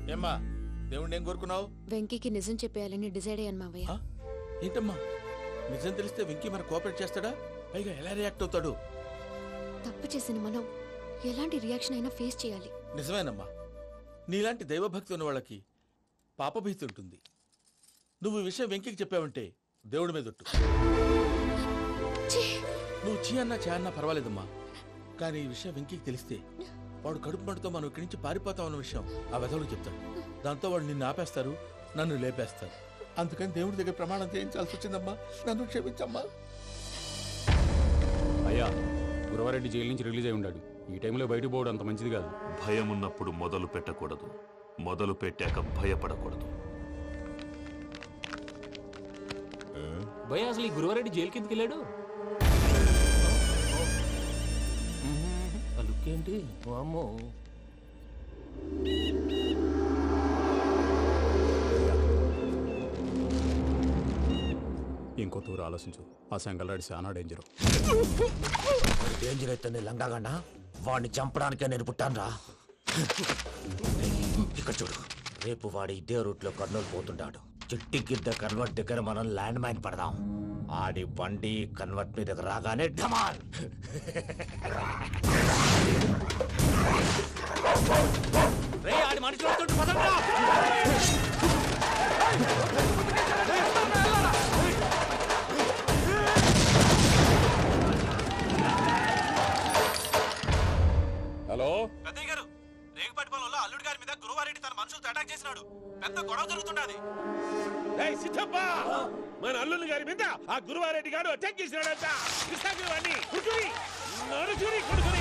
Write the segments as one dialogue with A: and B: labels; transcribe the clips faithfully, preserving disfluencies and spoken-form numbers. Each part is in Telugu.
A: ఏమ్మా దేవుణ్ణి ఏం కోరుకున్నావు?
B: వెంకీకి నిజం చెప్పేయాలని డిసైడ్ అయ్యాను మావయ్య.
A: ఏంటమ్మా నిజం తెలిస్తే వెంకీ మన కోఆపరేట్ చేస్తాడా? పైగా ఎలా రియాక్ట్ అవుతాడు?
B: తప్పు చేసిన మనం ఎలాంటి రియాక్షన్ అయినా ఫేస్ చేయాలి.
A: నిజమేనమ్మా, నీలాంటి దైవభక్తి ఉన్న వాళ్ళకి పాపభీతి ఉంటుంది. నువ్వు ఈ విషయం వెంకీకి చెప్పావంటే దేవుడి మీద ఒట్టు. నువ్వు చీ అన్నా చే అన్నా పర్వాలేదమ్మా, కానీ ఈ విషయం వెంకీకి తెలిస్తే వాడు కడుపు మంటతో మనం ఇక్కడి నుంచి పారిపోతాం అన్న విషయం ఆ వెధవులకు చెప్తాడు. దాంతో వాడు నిన్ను ఆపేస్తారు, నన్ను లేపేస్తారు. అందుకని దేవుడి దగ్గర ప్రమాణం చేయించాల్సి వచ్చిందమ్మా, నన్ను క్షమించమ్మా.
C: అయ్యా, గురవారెడ్డి జైలు నుంచి రిలీజ్ అయి ఉన్నాడు. ఈ టైంలో బయటకు పోవడం అంత మంచిది కాదు.
D: భయం ఉన్నప్పుడు మొదలు పెట్టకూడదు, మొదలు పెట్టాక భయపడకూడదు.
C: భయ అసలు ఈ గురవారెడ్డి జైలు కిందకి వెళ్ళాడు. ఏంటి అమ్మో, ఇంకో తూరు ఆలోచించు. ఆ సంగల్రాడి చాలా డేంజర్.
E: డేంజర్ అయితే లంగాగండ వాడిని చంపడానికే నేను పుట్టాను రా. ఇక్కడ చూడు, రేపు వాడి ఇదే రూట్ లో కర్నూలు పోతుంటాడు. చిట్టి గిద్ద కన్వర్ట్ దగ్గర మనం ల్యాండ్ మైన్ పడదాం. ఆడి బండి కన్వర్ట్ మీద రాగానే ఢమాల్. ఆడి మనుషులు
C: హలో
E: పెద్దయ్య గారు, రేగుపాటి పొలంలో అల్లుడి గారి మీద గురువారెడ్డి తన మనుషులతో అటాక్ చేసినాడు. పెద్ద గొడవ జరుగుతున్నది.
F: మన అల్లుడి గారి మీద ఆ గురువారెడ్డి గారు అటాక్ చేసినాడంట. కృష్ణాగిరి కుడుకుని నడుచుని కుడుకుని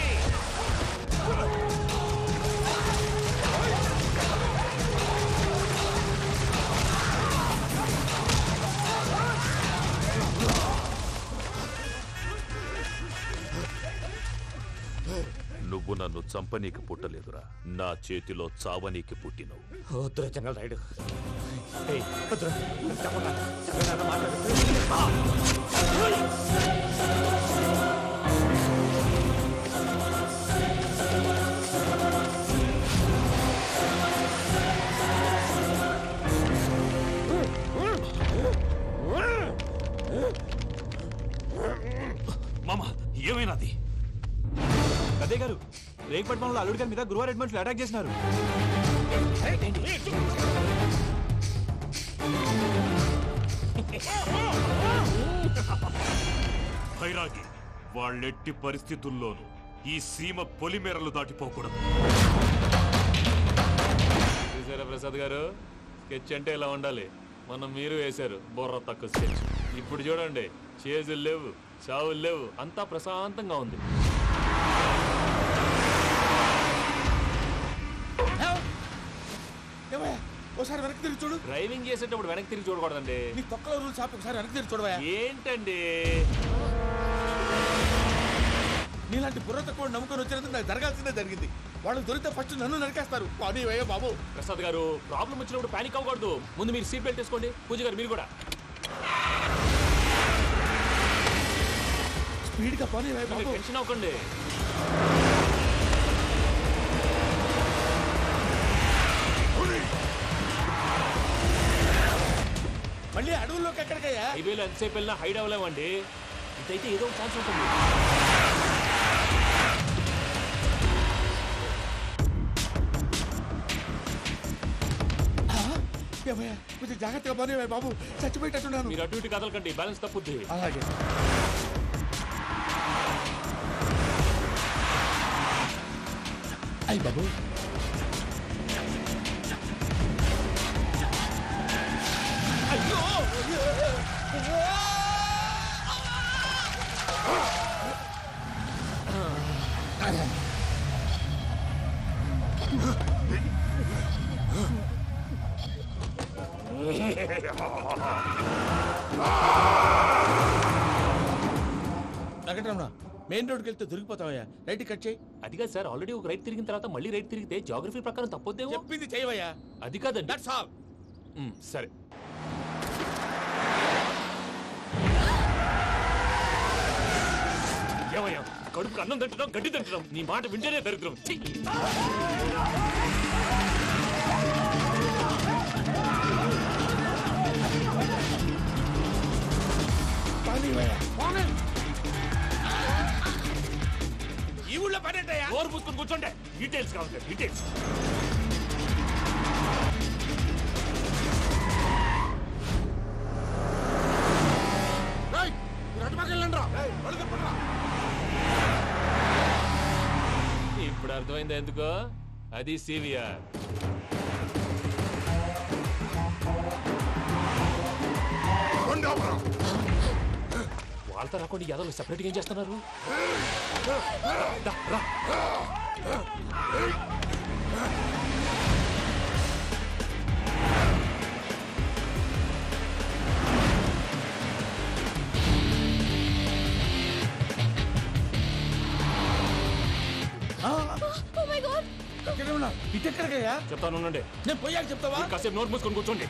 D: నువ్వు నన్ను చంపనీకి పుట్టలేదురా, నా చేతిలో చావనీకి పుట్టినవు.
E: వద్దురా జంగల్ రైడ్.
D: మామ ఏమైనాది?
G: అదే గారు, రేగుపట్నంలో అల్లుడి గారి మీద గురువారెడ్డి మనుషులు అటాక్ చేసినారు.
D: భైరాగి, వాళ్ళెట్టి పరిస్థితుల్లోనూ ఈ సీమ పొలిమేరలు దాటిపోకూడదు.
C: చూసారా ప్రసాద్ గారు, స్కెచ్ అంటే ఇలా ఉండాలి. మనం మీరు వేశారు బుర్ర తక్కువ స్కెచ్. ఇప్పుడు చూడండి, చేజులు లేవు, చావులు లేవు, అంతా ప్రశాంతంగా ఉంది.
A: ఒకసారి వెనక్కి తిరిగి చూడు.
C: డ్రైవింగ్ చేసేటప్పుడు వెనక్కి తిరిగి చూడకూడదండి.
A: నీ తొక్కలో రూల్స్ ఆపి ఒకసారి వెనక్కి తిరిగి చూడవా.
C: ఏంటండి
A: నీలాంటి బుర్ర తక్కువ నమ్ముకొని వచ్చినందుకు నాకు జరగాల్సిందే జరిగింది. వాళ్ళు దొరికితే ఫస్ట్ నన్ను నరికేస్తారు. కానీ అయ్యో బాబు.
C: ప్రసాద్ గారు, ప్రాబ్లం వచ్చినప్పుడు పానిక్ అవ్వకూడదు. ముందు మీరు సీట్ బెల్ట్ వేసుకోండి. పూజ గారు మీరు కూడా
A: స్పీడ్ గా పని.
C: టెన్షన్ అవ్వకండి.
A: మళ్ళీ అడవుల్లోకి ఎక్కడికయ్యా?
C: హైవేలో ఎంతసేపు వెళ్ళినా హైడ్ అవ్వలేమండి. ఇదైతే ఏదో ఒక ఛాన్స్ ఉంటుంది.
A: కొంచెం జాగ్రత్తగా పని బాబు, చచ్చిపోయేటట్టున్నాను.
C: మీరు అటు ఇటు కదలకండి, బ్యాలెన్స్ తప్పుద్ది.
A: అలాగే. అయ్యి బాబు, అయ్యో వెంకటరమణ, మెయిన్ రోడ్కి వెళ్తే దొరికిపోతావయ్యా. రైట్ కట్ చేయి.
C: అది కాదు సార్, ఆల్రెడీ ఒక రైట్ తిరిగిన తర్వాత మళ్ళీ రైట్ తిరిగితే జాగ్రఫీ ప్రకారం తప్పొద్దేమో.
A: చెప్పింది చేయవయ్యా.
C: అది కాదండి.
A: That's all.
C: సరే. ఏమయ్యా, కడుపుకి అన్నం తింటున్నాం, గడ్డి తింటున్నాం. నీ మాట వింటేనే దరిద్రం. డీటెయిల్స్ కావాలి డీటెయిల్స్. ఇప్పుడు అర్థమైంది ఎందుకో, అది సివిఆర్. వాళ్ళతో రాకుండా యాదవ్ సెపరేట్గా ఏం చేస్తున్నారు? రా, రా.
A: ఇటెక్కడికయ్యా?
C: చెప్తాను ఉండండి.
A: నేను పోయాక చెప్తావా?
C: కాసేపు నోట్ మూసుకొని కూర్చోండి.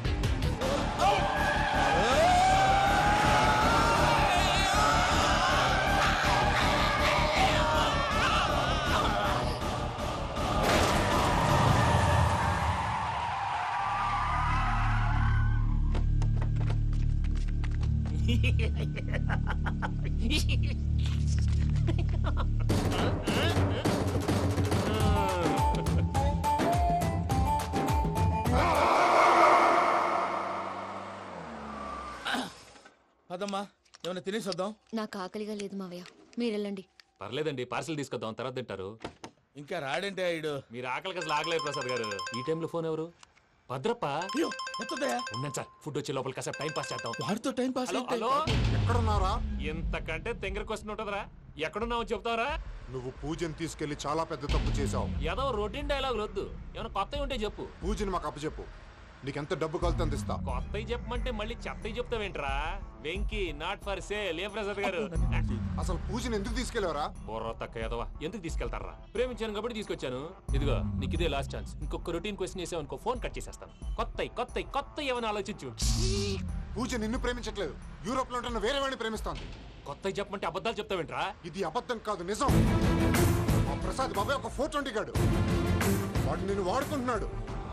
A: అదమ్మా ఏమైనా తినేసి వద్దాం.
B: నాకు ఆకలిగా లేదు మావయ్య, మీరు వెళ్ళండి.
C: పర్లేదండి, పార్సిల్ తీసుకొద్దాం, తర్వాత తింటారు.
A: ఇంకా రాడంటే ఆయుడు.
C: మీరు ఆకలికి అసలు ఆగలేదు ప్రసాద్ గారు. ఈ టైంలో ఫోన్ ఎవరు? భద్రప్ప.
A: అయ్యో ఎత్తదయ్యా.
C: ఉన్నాను సార్, ఫుడ్ వచ్చే లోపల కాసేపు టైం పాస్ చేద్దాం.
A: వాడితో టైం పాస్
C: హలో
A: అయితే
C: హలో,
H: ఎక్కడున్నారా?
C: ఇంతకంటే తెంగర క్వశ్చన్ ఉంటుందిరా. ఎక్కడున్నావు చెప్తావరా?
H: నువ్వు పూజని తీసుకెళ్లి చాలా పెద్ద తప్పు చేశావు.
C: ఏదో రొటీన్ డైలాగ్ వద్దు, ఏమైనా కొత్తవి ఉంటే చెప్పు.
H: పూజని మాకు అప్పచెప్పు, నీకెంత డబ్బు కలితే అందిస్తా.
C: కొత్తవి చెప్పమంటే మళ్ళీ చెత్తవి చెప్తావేంట్రా? Venky not for sale. ఏ ప్రసాద్ గారు?
H: అసలు పూజని ఎందుకు తీసుకెళ్లేవరా?
C: బుర్ర తక్క ఏదవా, ఎందుకు తీసుకెళ్తారా? ప్రేమించాను కాబట్టి తీసుకొచ్చాను. ఇదిగో నీకు ఇదే లాస్ట్ ఛాన్స్. ఇంకొక రొటీన్ క్వశ్చన్ చేసావు అనుకో, ఫోన్ కట్ చేసేస్తాను. కొత్త కొత్త కొత్త ఏమైనా ఆలోచించు.
H: పూజ నిన్ను ప్రేమించట్లేదు, యూరోప్ లో ఉంటున్న వేరే వాడిని ప్రేమిస్తాంది.
C: కొత్త చెప్పమంటే అబద్ధాలు చెప్తావేంట్రా?
H: ఇది అబద్ధం కాదు, నిజం. మా ప్రసాద్ బాబాయ్ ఒక ఫోర్ ట్వంటీ గాడు, వాడు నిన్ను వాడుకుంటున్నాడు.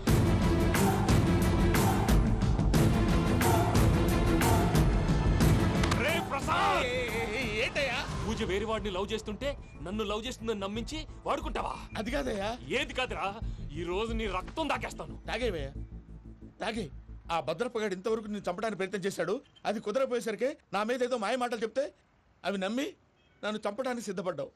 C: ఏంటయ్యా? పూజ వేరే వాడిని లవ్ చేస్తుంటే నన్ను లవ్ చేస్తుందని నమ్మించి వాడుకుంటావా?
A: అది కాదయ్యా.
C: ఏది కాదురా, ఈ రోజు నీ రక్తం దాకేస్తాను.
A: తాగేవయ్యా తాగే. ఆ భద్రపగాడు ఇంతవరకు నేను చంపడానికి ప్రయత్నం చేశాడు. అది కుదరపోయేసరికి నా మీద ఏదో మాయ మాటలు చెప్తే అవి నమ్మి నన్ను చంపడానికి సిద్ధపడ్డావు.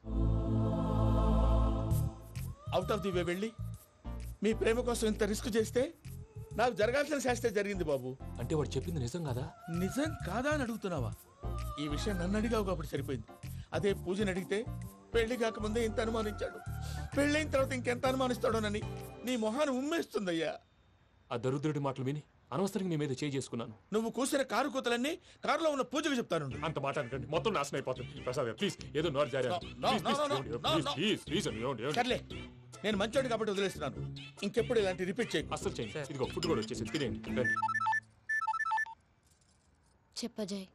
A: అవుట్ ఆఫ్ ది వే వెళ్ళి మీ ప్రేమ కోసం ఇంత రిస్క్ చేస్తే నాకు జరగాల్సిన శాస్త్రే జరిగింది బాబు.
C: అంటే వాడు చెప్పింది నిజం కాదా?
A: నిజం కాదా అని అడుగుతున్నావా? ఈ విషయం నన్ను అడిగావు కాబట్టి సరిపోయింది. అదే పూజని అడిగితే పెళ్లి కాకముందే ఇంత అనుమానించాడు, పెళ్ళైన తర్వాత ఇంకెంత అనుమానిస్తాడోనని నీ మొహాన్ని ఉమ్మేస్తుందయ్యా.
C: ఆ దరిద్రుడి మాటలు విని అనవసరంగా నీ మీద చేయి చేసుకున్నాను.
A: నువ్వు కూసిన కారు కూతలన్నీ కారులో ఉన్న పూజకు చెప్తాను.
C: అంత మాట అనకండి, మొత్తం నాశనం అయిపోతుంది. ప్రసాద్ ప్లీజ్, ఏదో నోరు జారీ.
A: No, no, no, no, no, no, no. సర్లే, నేను మంచోడి కాబట్టి వదిలేస్తున్నాను. ఇంకెప్పుడు ఇలాంటి రిపీట్ చేయకు.
C: అస్సలు చేయండి. ఇదిగో ఫుడ్ కూడా వచ్చేసి తినేయండి. రండి.
B: చెప్పజాయ్.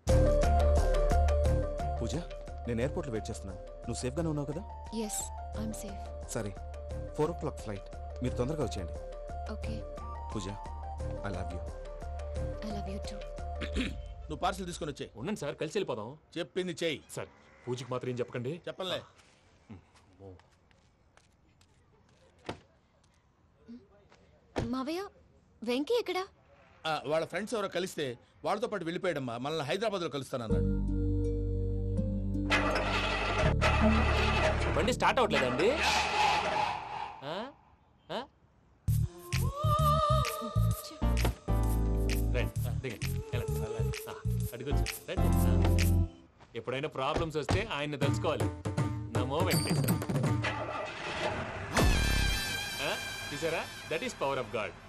G: పూజ, నేను ఎయిర్పోర్ట్లో వెయిట్ చేస్తున్నాను. నువ్వు సేఫ్గానే ఉన్నావు కదా?
B: Yes, I'm safe.
G: సరే, ఫోర్ ఓ క్లాక్ ఫ్లైట్, మీరు తొందరగా వచ్చేయండి.
B: Okay.
G: Pooja, I love you.
B: I love you too.
A: నువ్వు పార్సల్ తీసుకొని వచ్చే.
C: ఉండండి సార్, కలిసి వెళ్ళిపోదాం.
A: చెప్పింది చెయ్యి.
C: సార్, పూజకి మాత్రం ఏం చెప్పకండి.
A: చెప్పలే.
B: మావయ్య, వెంకీ ఎక్కడా?
A: ఆ, వాళ్ళ ఫ్రెండ్స్ ఎవరో కలిస్తే వాళ్ళతో పాటు వెళ్ళిపోయాడమ్మా. మనల్ని హైదరాబాద్ లో కలుస్తానన్నాడు.
C: బండి స్టార్ట్ అవ్వట్లేదండి. ఆ? ఆ? రండి, దిగండి, వెళ్ళండి. ఆ, అడుగొచ్చు, రండి. ఆ. ఎప్పుడైనా ప్రాబ్లమ్స్ వస్తే ఆయన్ని తెలుసుకోవాలి. నమో వెంకటేశ్వర. ఆ? చూసారా, that is power of God.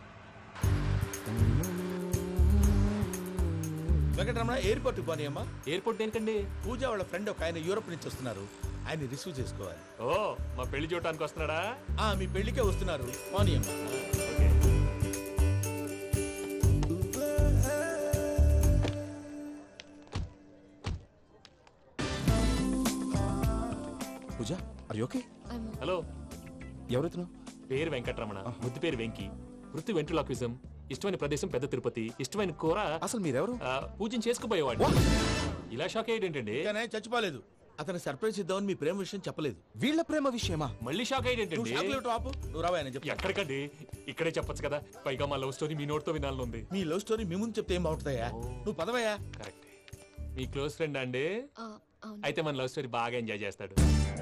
A: Venkataramana airport పోనీ అమ్మా.
C: ఎయిర్పోర్ట్ దేనికండి?
A: పూజ వాళ్ళ ఫ్రెండ్ ఒక ఆయన యూరోప్ నుంచి వస్తున్నారు, ఆయన రిసీవ్ చేసుకోవాలి.
C: ఓ, మా పెళ్లి చూడటానికి వస్తున్నాడా?
A: ఆ, మీ పెళ్లికే వస్తున్నారు, పోనీ అమ్మా.
C: Okay.
G: Pooja, are you okay?
B: I'm
C: hello,
G: ఎవరెత్తున్నావు?
C: పేరు వెంకటరమణ, ముద్దు పేరు వెంకి, వృత్తి వెంట్రులాక్విజం, ఇష్టమైన ప్రదేశం పెద్ద తిరుపతి, ఇష్టమైన కూర
G: అసలు మీరెవరు?
C: ఆ, పూజను చేసుకుపోయేవాడు. ఇలా షాక్ అయ్యేటండి.
A: కానీ చచ్చిపోలేదు, అతను సర్ప్రైజ్ ఇద్దామని మీ ప్రేమ విషయం చెప్పలేదు.
G: వీళ్ళ ప్రేమ విషయమా?
C: మళ్ళీ షాక్
A: నువ్వు
C: అయ్యేటండి.
A: షాక్ లేవు ఆపు. నువ్వు రావా అని చెప్పి.
C: ఎక్కడికండి? ఇక్కడే చెప్పొచ్చు కదా. పైగా మా లవ్ స్టోరీ మీ నోటితో వినాలనుంది.
A: మీ లవ్ స్టోరీ మీ ముందు చెప్తే ఏం బాగుంటుందయ్యా? నువ్వు పదవయ్యా.
C: కరెక్ట్. మీ క్లోజ్ ఫ్రెండ్ అండి?
B: ఆ, అవును.
C: అయితే మన లవ్ స్టోరీ బాగా ఎంజాయ్ చేస్తాడు.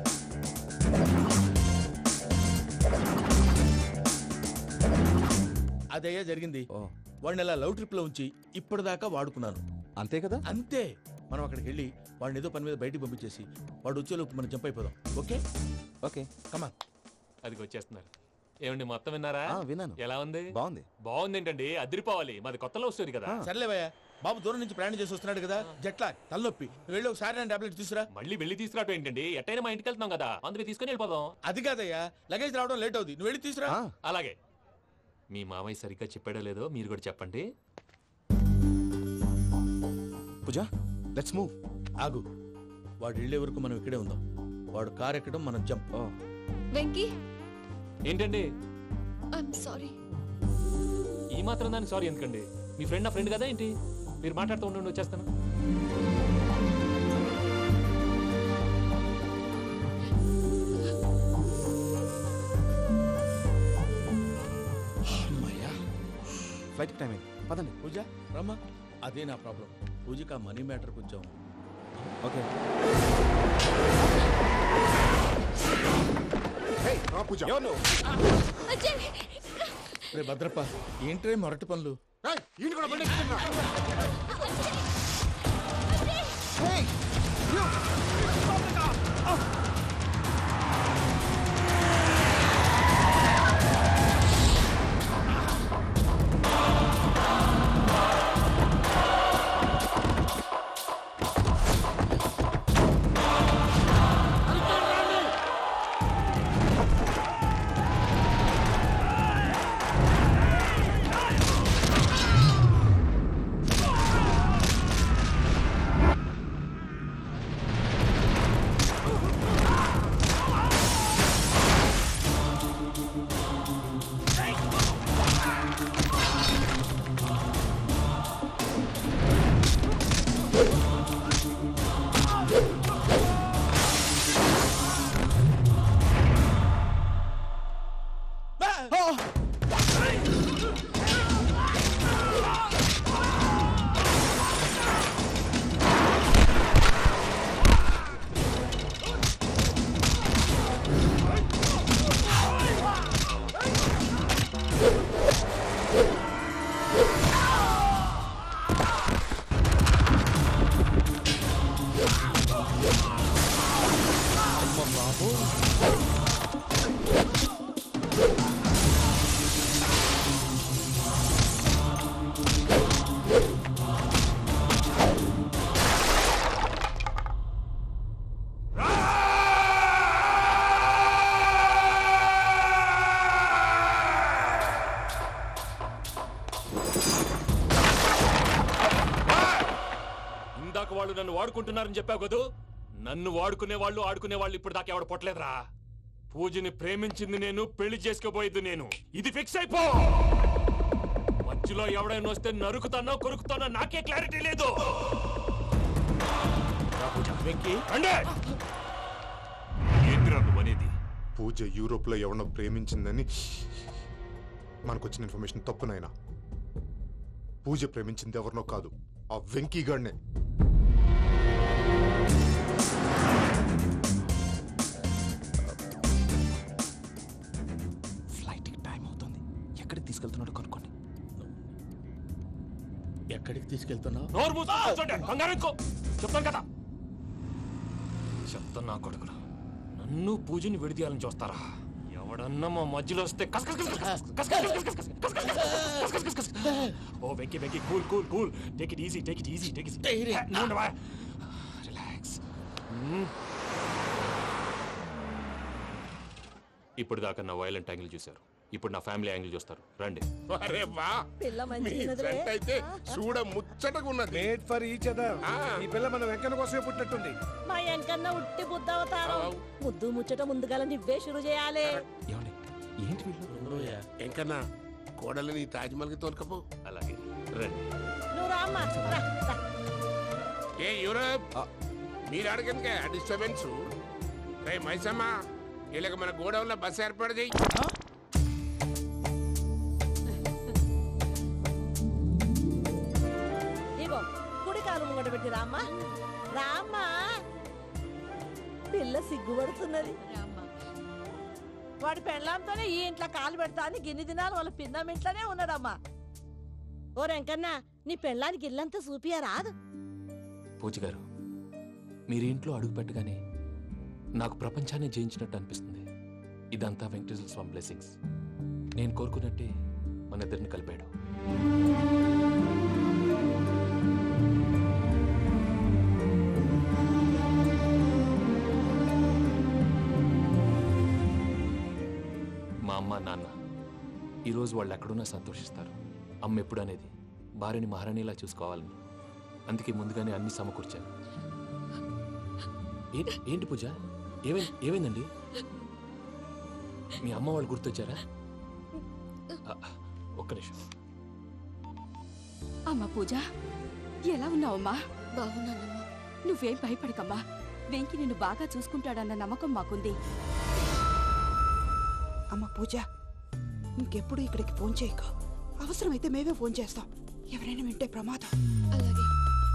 A: అదయ్యా జరిగింది. వాడిని అలా లవ్ ట్రిప్ లో ఉంచి ఇప్పటిదాకా వాడుకున్నాను.
G: అంతే కదా?
A: అంతే. మనం అక్కడికి వెళ్ళి వాడిని ఏదో పని మీద బయటికి పంపించేసి వాడు వచ్చేలోపు మనం జంప్ అయిపోదాం. Okay
G: okay
A: come on.
C: అది వచ్చేస్తున్నారు. ఏమండి మొత్తం విన్నారా?
G: ఆ, విన్నాను.
C: ఎలా ఉంది?
G: బాగుంది.
C: బాగుంది ఏంటండి? అదిరిపోవాలి. మాది కొత్త లవ్ స్టోరీ కదా.
A: సర్లేవయ్యా, బాబు దూరం నుంచి ప్రయాణం చేసి వస్తున్నాడు కదా, జట్లా తలనొప్పి. వెళ్ళి ఒకసారి నేను టాబ్లెట్ తీసుకురా.
C: మళ్ళీ వెళ్ళి తీసుకురావటం ఏంటండి? ఎట్టైనా మా ఇంటికి వెళ్తున్నాం కదా, అందుకే తీసుకొని వెళ్ళిపోదాం.
A: అది కాదయ్యా, లగేజ్ రావడం లేట్ అవుతుంది. నువ్వు వెళ్ళి తీసుకురా.
G: ఆ,
C: అలాగే. మీ మామయ్య సరిగ్గా చెప్పాడో లేదో మీరు కూడా చెప్పండి.
G: Pooja let's move.
A: ఆగు, వాడు వెళ్ళే వరకు మనం ఇక్కడే ఉందాం. వాడు కార్ ఎక్కడం, మనం జంప్.
B: వెంకీ,
C: ఏంటండి
B: ఐఎమ్ సారీ.
C: ఈ మాత్రం దానికి సారీ ఎందుకండి? మీ ఫ్రెండ్ నా ఫ్రెండ్ కదా ఏంటి? మీరు మాట్లాడుతూ ఉండండి, వచ్చేస్తాను.
G: ఫ్లైట్ టైం అయింది, పదండి.
A: పూజ రమ్మా. అదే నా ప్రాబ్లం. పూజకి ఆ మనీ మ్యాటర్ కొంచెం.
G: ఓకే.
H: హే, రా పూజ.
B: అజయ్,
A: రే భద్రప్ప, ఏంట్రే మొరటి పనులు?
H: ఏయ్, ఈయన కూడా బండి ఎక్కుతున్నా.
C: ఇందాక వాళ్ళు నన్ను వాడుకుంటున్నారని చెప్పావు కదూ. నన్ను వాడుకునే వాళ్ళు ఆడుకునే వాళ్ళు ఇప్పుడు దాకా ఎవడ పొట్టలేదురా. పూజని ప్రేమించింది నేను, పెళ్లి చేసుకోబోయేది నేను. ఇది ఫిక్స్ అయిపో. మధ్యలో ఎవడైనా వస్తే నరుకుతానో కొరుకుతానో నాకే క్లారిటీ లేదు.
A: వెంకీ,
C: అంటే ఏంద్రా నువ్వు అనేది?
H: పూజ యూరోప్ లో ఎవరినో ప్రేమించిందని మనకొచ్చిన ఇన్ఫర్మేషన్ తప్పు నాయనా. పూజ ప్రేమించింది ఎవరినో కాదు, ఆ వెంకీ గాడినే.
G: ఫ్లైట్ టైం అవుతుంది. ఎక్కడికి తీసుకెళ్తున్నాడో కనుక్కోండి.
A: ఎక్కడికి తీసుకెళ్తున్నావు?
C: నోరు మూసుకొని కూర్చోండి. కంగారు ఎందుకు? చెప్తాను కదా. చెప్తాను నా కొడుకులు. నన్ను పూజని విడిదీయాలని చూస్తారా? ఎవడన్నా మా మధ్యలో వస్తే కస్ కస్ కస్ కస్ కస్ కస్ కస్ కస్ కస్ కస్ కస్ కస్ కస్ కస్. ఓ Venky Venky, cool cool cool. Take it easy, take it easy, take it easy. Relax. ఇప్పుడు దాకా నా వైలెంట్ యాంగిల్ చూశారు. ఇప్పుడు నా ఫ్యామిలీ యాంగిల్ చూస్తారు. రండి.
F: అరే వా,
I: పిల్ల
F: మీ
I: మంచిగున్నదిరే.
F: జంట అయితే చూడ ముచ్చటగా ఉన్నది.
J: Made for each other. ఈ పిల్ల మన వెంకన్న కోసమే పుట్టినట్టుంది.
I: మా వెంకన్న ఉట్టి బుద్ధవతారం. ముద్దు ముచ్చట ముందుగాల నువ్వే షురు చేయాలి.
G: ఏమండి, ఏంటి వీళ్ళు?
F: ఎంకన్నా కోడలిని తాజ్మహల్కి తోలుకపో.
C: అలాగే రండి.
I: నువ్వు రామ్మా, రా, రా.
F: ఏ యూరప్, మీరు అడగనికే డిస్టర్బెన్స్. రే మైసమ్మ, వీళ్ళకి మన గోడౌన్లో బస్సు ఏర్పాటు చేయి.
I: ఇగో కుడి కాలు ముంగట పెట్టి రామ్మా, రామ్మా. పిల్ల సిగ్గుపడుతున్నది. వాడి పెళ్ళాంతోనే ఈ ఇంట్లో కాలు పెడతా అని గిన్ని దినాలు వాళ్ళ పిన్నం ఇంట్లోనే ఉన్నాడమ్మా. ఓ వెంకన్నా, నీ పెళ్ళానికి ఇల్లంతా చూపియా రాదు?
C: పూజ గారు, మీరు ఇంట్లో అడుగు పెట్టగానే నాకు ప్రపంచాన్ని జయించినట్టు అనిపిస్తుంది. ఇదంతా వెంకటేశ్వర స్వామి బ్లెస్సింగ్స్. నేను కోరుకున్నట్టే మన ఇద్దరిని కలిపాడు. మా అమ్మ నాన్న ఈరోజు వాళ్ళు ఎక్కడున్నా సంతోషిస్తారు. అమ్మ ఎప్పుడు అనేది భార్యని మహారాణిలా చూసుకోవాలని. అందుకే ముందుగానే అన్ని సమకూర్చాను. ఏంటి ఏంటి పూజ, ఏమైంది ఏమైందండి? మీ అమ్మ వాళ్ళు గుర్తొచ్చారా? ఆ, ఒక్క నిమిషం.
K: అమ్మా పూజ, ఎలా ఉన్నావమ్మా?
B: బాగున్నానమ్మా.
K: నువ్వేం భయపడకమ్మా. వెంకి నిన్ను బాగా చూసుకుంటాడన్న నమ్మకం మాకుంది.
L: అమ్మ పూజ, ఇంకెప్పుడు ఇక్కడికి ఫోన్ చేయక. అవసరమైతే మేమే ఫోన్ చేస్తాం. ఎవరైనా వింటే ప్రమాదం.
B: అలాగే.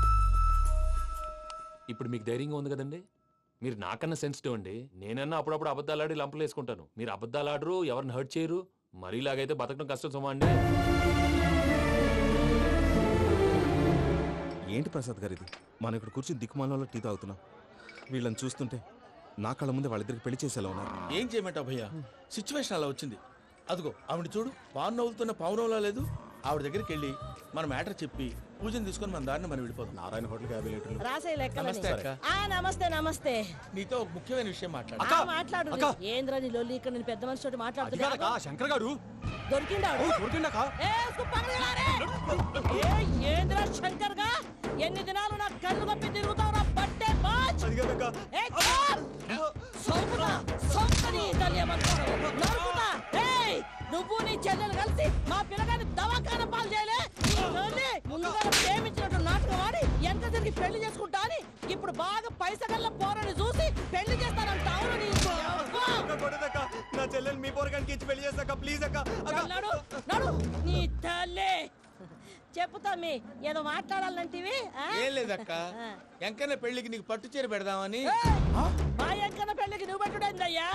C: ఇప్పుడు మీకు ధైర్యంగా ఉంది కదండి. మీరు నాకన్నా సెన్సిటివ్ అండి. నేనన్నా అప్పుడప్పుడు అబద్ధాలాడి లంపలు వేసుకుంటాను. మీరు అబద్ధాలు ఆడరు, ఎవరిని హర్ట్ చేయరు. మరీ ఇలాగైతే బతకడం కష్టం సుమా అండి.
G: ఏంటి ప్రసాద్ గారు ఇది? మనం ఇక్కడ కూర్చుని దిక్కుమాలలో టీ తాగుతున్నాం. వీళ్ళని చూస్తుంటే నా కళ్ళ ముందే వాళ్ళిద్దరికి పెళ్లి చేసేలా ఉన్నారు.
A: ఏం చేయమంటావు భయ్యా, సిచ్యువేషన్ అలా వచ్చింది. అదిగో ఆవిడ చూడు, పావు నవ్వులుతున్న పావునవ్వులా లేదు. ఆవిడ దగ్గరికి వెళ్ళి మన మ్యాటర్ చెప్పి పూజను తీసుకొని మన దారిని మనం వెళ్ళిపోతాం.
G: నారాయణ హోటల్ యాభై లీటర్లు.
I: రాసే లెక్క.
A: నమస్తే అక్క.
I: నమస్తే నమస్తే.
A: నీతో ఒక ముఖ్యమైన విషయం మాట్లాడు.
I: ఆ, మాట్లాడు. ఏంద్రా నీ లొల్లి? ఇక్కడ నేను పెద్ద మనిషితో మాట్లాడుతున్నా.
G: శంకర్ గారు
I: దొరికిండాడు. ఏ, ఉస్కు పకడేలా రే. ఏ, ఏంద్రా శంకర్ గా? ఎన్ని దినాలు నా కళ్ళు కప్పి తిరుగుతావురా బట్టే బాచ్. ఏ, చాప్. సౌకుతా, సౌకని తెలియమంటారు. నరుకుతా. ఏయ్, నువ్వు నీ చెల్లెలు కలిసి మా పిల్లగాని దవాఖాన పాలు చేయలే. ముందుగా ప్రేమించినట్టు నాటకం ఆడి ఎంత తిరిగి పెళ్లి చేసుకుంటా అని ఇప్పుడు బాగా పైసగల్ల పోరని చూసి పెళ్లి చేస్తానంట. అవును, నీ
G: నా చెల్లెలు మీ పోరగానికి ఇచ్చి పెళ్లి చేస్తాక ప్లీజ్ అక్క.
I: నడు నడు నీ తల్లి. చెప్పుతా మీ ఏదో మాట్లాడాలంటివి.
A: ఏం లేదక్క, ఎంకన్న పెళ్లికి నీకు పట్టు చీర పెడదామని.
I: మా ఎంకన్న పెళ్లికి నువ్వు పెట్టుడేందయ్యా?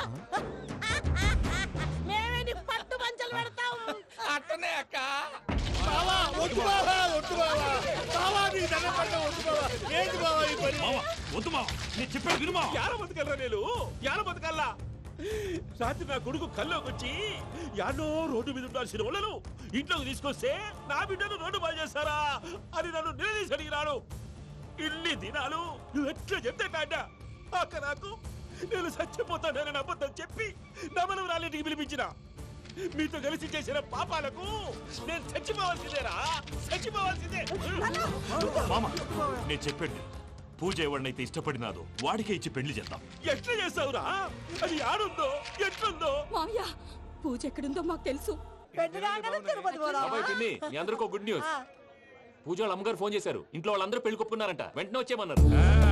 I: మేమే నీకు పట్టు పంచలు పెడతాం.
A: అట్టనే అక్క.
F: బావా, వద్దు బావా, వద్దు బావా. బావా, నీ దండం పెడతా, వద్దు బావా. ఏంటి బావా ఈ పని?
C: వద్దు మా, నేను చెప్పేది వినుమా.
F: యాడ బతకల్లా నేను? యాడ బతకల్లా? రాత్రి నా కొడుకు కల్లోకి వచ్చి యాడో రోడ్డు మీద ఉండాల్సిన వాళ్ళను ఇంట్లోకి తీసుకొస్తే నా బిడ్డను రోడ్డు బాగా చేస్తారా అని నన్ను నిలదీసి అడిగినాడు. ఇన్ని దినాలు నువ్వు ఎట్లా చెప్తే కాట అక్క నాకు నేను చచ్చిపోతానని అబద్ధం చెప్పి నమ్మను రాలేటికి పిలిపించిన. మీతో కలిసి చేసిన పాపాలకు నేను చచ్చిపోవాల్సిందేరా, చచ్చిపోవాల్సిందే.
D: మామ, నేను చెప్పండి, పూజ ఎవరినైతే ఇష్టపడినాదో వాడికే ఇచ్చి పెళ్లి చేద్దాం.
F: ఎట్లా చేస్తావురా? అది ఆడుందో ఎట్లుందో?
K: మామయ్య, పూజ ఎక్కడుందో మాకు తెలుసు.
I: తిరుపతి
C: బాబాయ్ పిన్ని, మీ అందరికీ గుడ్ న్యూస్. పూజ వాళ్ళ అమ్మగారు ఫోన్ చేశారు. ఇంట్లో వాళ్ళందరూ పెళ్లి కొప్పుకున్నారంట. వెంటనే వచ్చేయమన్నారు.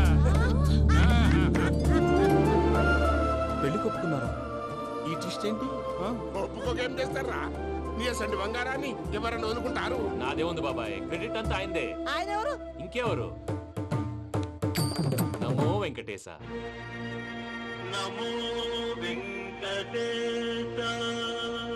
G: పెళ్లి కొప్పుకున్నారా?
A: ఈ ట్విస్ట్ ఏంటి?
F: ఒప్పుకోకేం చేస్తారా? నీ అసంటి బంగారాన్ని ఎవరన్నా వదులుకుంటారు?
C: నాదే ఉంది బాబాయ్, క్రెడిట్ అంతా ఆయనదే.
I: ఆయన ఎవరు?
C: ఇంకెవరు? నమో వెంకటేశ.
E: నమో వెంకటేశ.